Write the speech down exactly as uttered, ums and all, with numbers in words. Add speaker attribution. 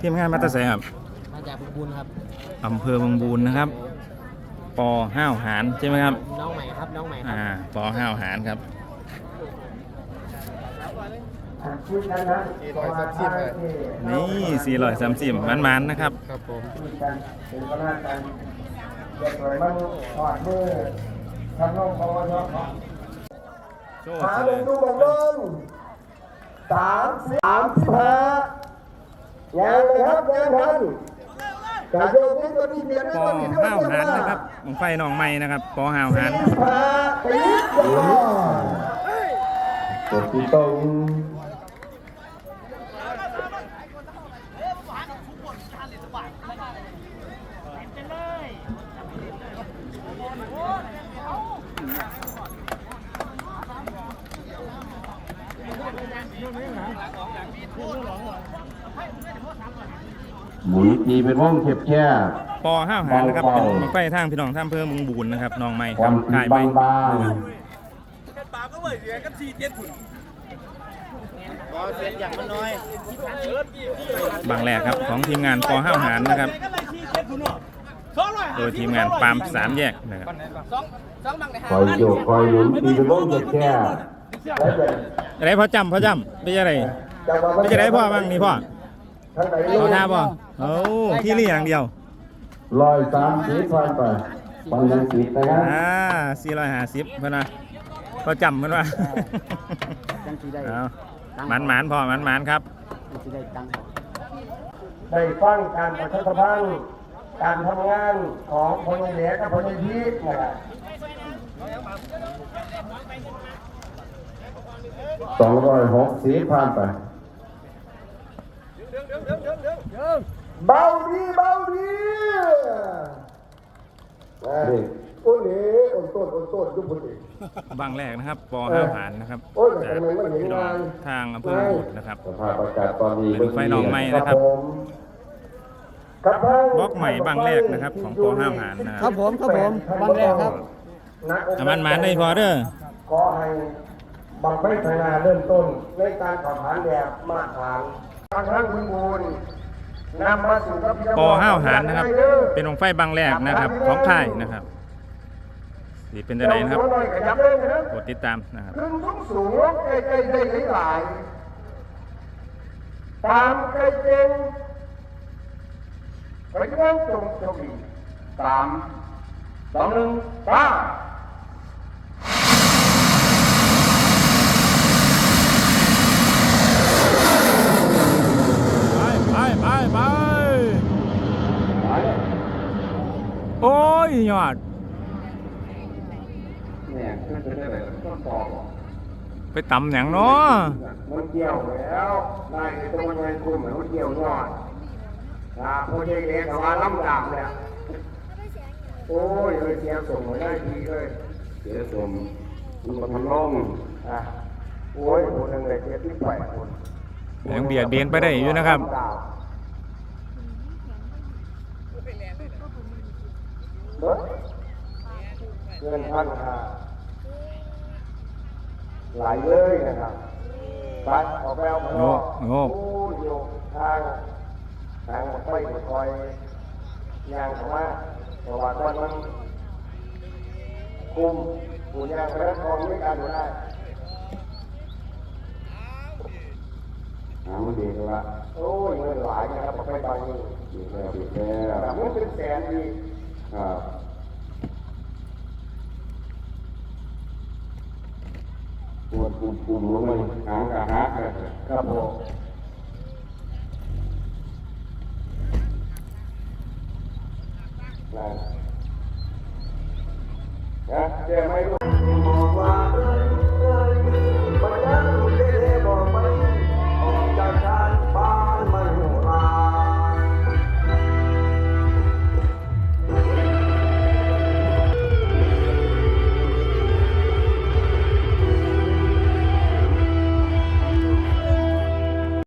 Speaker 1: ทีมงานมาตาแสครับ
Speaker 2: มาจากบึงบูนครับ
Speaker 1: อำเภอบึงบูนนะครับปอห้าวหารใช่ไหมครับ
Speaker 2: น้องใหม่ครับน้องใหม่
Speaker 1: อ่าปอห้าวหารครับนี่สี่ร้อยสามสิบมันมันนะครับ
Speaker 2: ครับผม
Speaker 1: โชว์
Speaker 3: หา
Speaker 1: เล
Speaker 3: ล
Speaker 1: ย
Speaker 3: งดูมองลงสามสามสิบห้ายังเลยครับยังทันกระโดดนี้ตัวนี้เปลี่ยน
Speaker 1: ปอห้าวหารนะครับของไฟหนองไม้นะครับปอห้าวหาร
Speaker 3: ตีตัวที่ตรงหมุนตีเป็นห้องเข็บแค่
Speaker 1: ปอห้าวหารนะครับเป็นไฟทางพี่น้องท่ามเพิ่มบึงบูนนะครับน้องไม้ครับกายไม้บางแรกครับของทีมงานปอห้าวหารนะครับโดยทีมงานปามสามแยกนะครับ
Speaker 3: คอยโยกคอยหมุนตีเป็นห้องเข็บแค่
Speaker 1: อะไรพ่อจำพ่อจำไม่ใช่อะไรไม่ใช่ไรพ่อบ้างนี่พ่อเอาท่าพ่อโอ้ที่นี่อย่างเดียว
Speaker 3: ลอยสามสีพันไปปังยังสีนะครับ
Speaker 1: อ่าสี่ร้อยห้าสิบเพื่อนนะพ่อจำเพื่อนว่าเอาหมันหมันพ่อหมันหมันครับ
Speaker 3: ได้ฟังการประชาสัมพันธ์การทำงานของพลเหนือกับพลยีดนะครับสองร้อยหกสีพันไปเบาดีเบาดีโอ้ยนี่อ่อนต้นอ่อนต้นยุบพอดี
Speaker 1: บางแรกนะครับปอห้าผ่านนะครับจากพี่น้องทางอำเภอบุตรนะครับเป็นไฟหนองไม้นะครับบล็อกใหม่บางแรกนะครับของปอห้าผ่านนะครับ
Speaker 2: ผมครับผมบางแรกครับ
Speaker 1: มันมันได้พอเด้อ
Speaker 3: ขอให้บางไฟไทยนาเริ่มต้นในการขับผ่านแบบมาตรฐานทางทางบึงบูน
Speaker 1: ปอห้าวหารนะครับเป็นวงไฟบางแรกนะครับของค่ายนะครับสีเป็นจะไหนนะครับกดติดตามนะครับ
Speaker 3: ขึ้นสูงสูงใกล้ใกล้ได้หลายตามใกล้เจงไปนั่งจงจงดีสามสองหนึ่งป้า
Speaker 1: ไปไปโอ้ยยอดไปตำอย่างเนาะ
Speaker 3: มันเกี่ยวแล้วได้ในตัวเงินคุณเหมือนมันเกี่ยวยอดครับพอเด็กเด็กแต่ว่าล้ำดำเนี่ยโอ้ยเลยเสียส่งมาได้ดีเลยเสียส่งมันทำร่องอ่ะโอ้ยคนหนึ่งเลยเสียที่แปดคน
Speaker 1: ยังเบียดเบียนไปได้อยู่นะครับ
Speaker 3: เงินพันห้าไหลเลยนะครับไปออกไปเอาโง่
Speaker 1: โง่
Speaker 3: โยกทางทางไปคอยยางของว่าเพราะว่าตอนมันคุมหูยางแล้วคองไม่การอยู่ได้หามันดีเลยละโอ้ยเงินหลายนะครับออกไปตอนนี้ดีแล้วดีแล้วมันเป็นแสนดีครับปวดปุ่มปุ่มลงมาหางกะฮักครับผมนะเจ๊ไม่รู้